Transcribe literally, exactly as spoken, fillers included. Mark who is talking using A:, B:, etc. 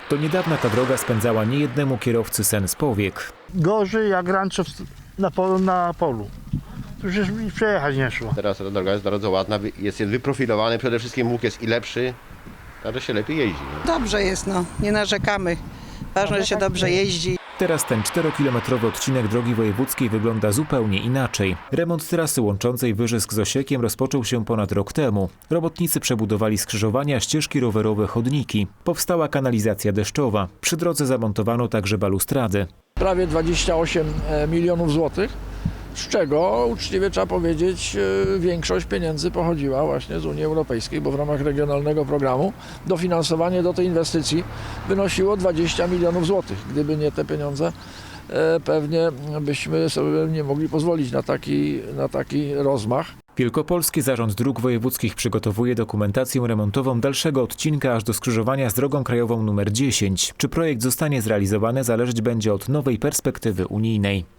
A: Do niedawna ta droga spędzała niejednemu kierowcy sen z powiek.
B: Gorzej jak rancho na polu. Na polu. Tu już mi przejechać nie szło.
C: Teraz ta droga jest bardzo ładna, jest wyprofilowany, przede wszystkim łuk jest i lepszy, także się lepiej jeździ.
D: Dobrze jest, no, nie narzekamy. Ważne, że się dobrze jeździ.
A: Teraz ten czterokilometrowy odcinek drogi wojewódzkiej wygląda zupełnie inaczej. Remont trasy łączącej Wyżysk z Osiekiem rozpoczął się ponad rok temu. Robotnicy przebudowali skrzyżowania, ścieżki rowerowe, chodniki. Powstała kanalizacja deszczowa. Przy drodze zamontowano także balustrady.
E: Prawie dwadzieścia osiem milionów złotych, z czego uczciwie trzeba powiedzieć większość pieniędzy pochodziła właśnie z Unii Europejskiej, bo w ramach regionalnego programu dofinansowanie do tej inwestycji wynosiło dwadzieścia milionów złotych. Gdyby nie te pieniądze, pewnie byśmy sobie nie mogli pozwolić na taki, na taki rozmach.
A: Wielkopolski Zarząd Dróg Wojewódzkich przygotowuje dokumentację remontową dalszego odcinka aż do skrzyżowania z drogą krajową numer dziesięć. Czy projekt zostanie zrealizowany, zależeć będzie od nowej perspektywy unijnej.